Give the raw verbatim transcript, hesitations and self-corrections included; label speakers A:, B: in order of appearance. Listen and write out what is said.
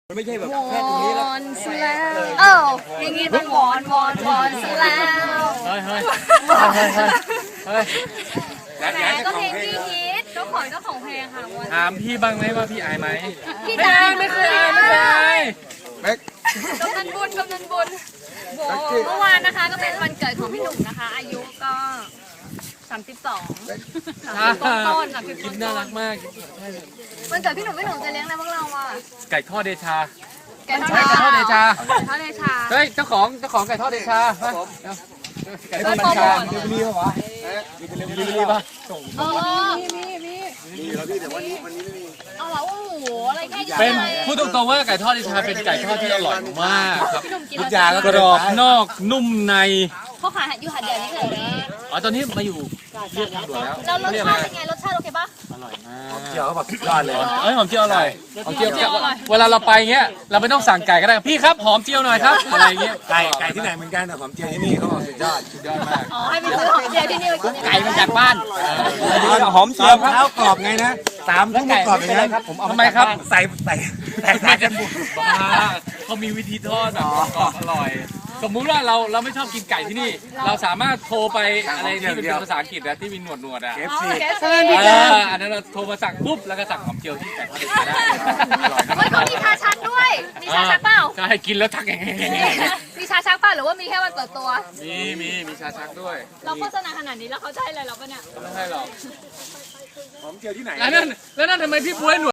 A: มันไม่ใช่แบบแค่ตรงนี้แล้ว
B: วอนซะแล้วเอ้าอย่างงี้ต้องวอนวอนวอนซะแล้ว
C: เฮ้ยเฮ้ยเฮ้ยเฮ้ย
B: แหมก็เพลงที่ฮิตเจ้าของเจ้าของเพลงค่ะวอน
C: ถามพี่บ้างไหมว่าพี่อายไหม
B: พี่
C: ไม่
B: ดา
C: อายไม่เคยอายไม่เคยอาย
A: แม็ก
B: กำนันบุญกำนันบุญโหเมื่อวานนะคะก็เป็นวันเกิดของพี่หนุ่มนะคะ อายุก็สามสิบสองสามสิบต้นๆสามสิบ
C: กิ
B: ต้
C: น
B: น
C: น่ารักมาก
B: ๆวันเกิดพี่หนุ่มพี่หนุ่มจะเลี้ยงอะไรพวกเราอ่ะ
C: ไก่ทอดเดชา
B: ไก่ทอด
C: ไก่ทอดเดชา
B: ไก่ทอดเดชา
C: เฮ้ยเจ้าของเจ้าของไก่ทอดเดชามาเดี๋ยวไก่ทอดเดชา
A: เดี๋ยวมีเหรอวะ
C: มีรีบป่ะ
B: อ๋อ
A: มีแล้วพี่แต่วันนี้วันนี้ไม่มี
B: เอาเหรอโอ้โหอะไรแค่นี้
C: เป็น
B: เลย
C: พูดตรงๆว่าไก่ทอดเดชาเป็นไก่ทอดที่อร่อยมากครับ
B: พี่หนุ่มกิน
A: ทุก
B: แล้ว
A: อย่างก็
C: กรอบนอกนุ่มใน
B: เขาขายอยู่หาดใหญ่นี่เลย
C: อ๋อตอนนี้มาอยู่เรียบทางด่วนแล้ว
B: แล้วรส
C: เรียก
B: ชา
C: อะไร
B: ติเป็นไงรสชาติโอเคปะ
C: อร่อยมาก
A: เดี๋ยวเขาบอกสุดยอดเลย
C: เอ้ยหอมเจียวอร่อยหอมเจียว
B: หอมเจียวอร่อย
C: เวลาเราไปเงี้ยเราไม่ต้องสั่งไก่ก็ได้พี่ครับหอมเจียวหน่อยครับอะไรเงี้ย
A: ไก่ไก่ที่ไหนเหมือนกันแต่ผมเจียวที่นี่เขาบอกสุดยอด
C: สุดยอดมาก
B: อ๋อให้ไปซื้อหอมเจียวที่นี่มากิน
C: ไก่มาจากบ้าน
A: หอมเจียวเท้ากรอบไงนะสามทุ่มกรอบอย่างนั้น
C: ทำไมครับ
A: ใส่ใส่แตกต่างกันบุก
C: บ้าเขามีวิธีทอดแบบกรอบอร่อย สมมุติว่าเราเราไม่ชอบกินไก่ที่นี่ เราสามารถโทรไปอะไรที่เป็นภาษาอังกฤษนะที่มีหนวดหนวดๆอ่ะ
A: เอฟ
B: อ๋อ
A: ซี
B: แกส
C: เอออันนั้นเราโทรมาสั่งปุ๊บแล้วก็สั่งหอมเจียวที่ไก่ทอดได้อร่อย
B: เฮ้ยเขามีชาชักด้วย มีชาชักเปล่า
C: ใช่กินแล้วทักแง่
B: มีชาชักเปล่าหรือว่ามีแค่วันเปิดตัว
C: มีมีมีชาชักด้วย
B: เราโฆษณาขนาดนี้แล้วเขาจะให้อะไรเราปะเนี่ย
C: ไม่ใช่หรอก
A: หอมเจียวที่ไหน
C: แล้วนั่นแล้วนั่นทำไมพี่บวยหนวด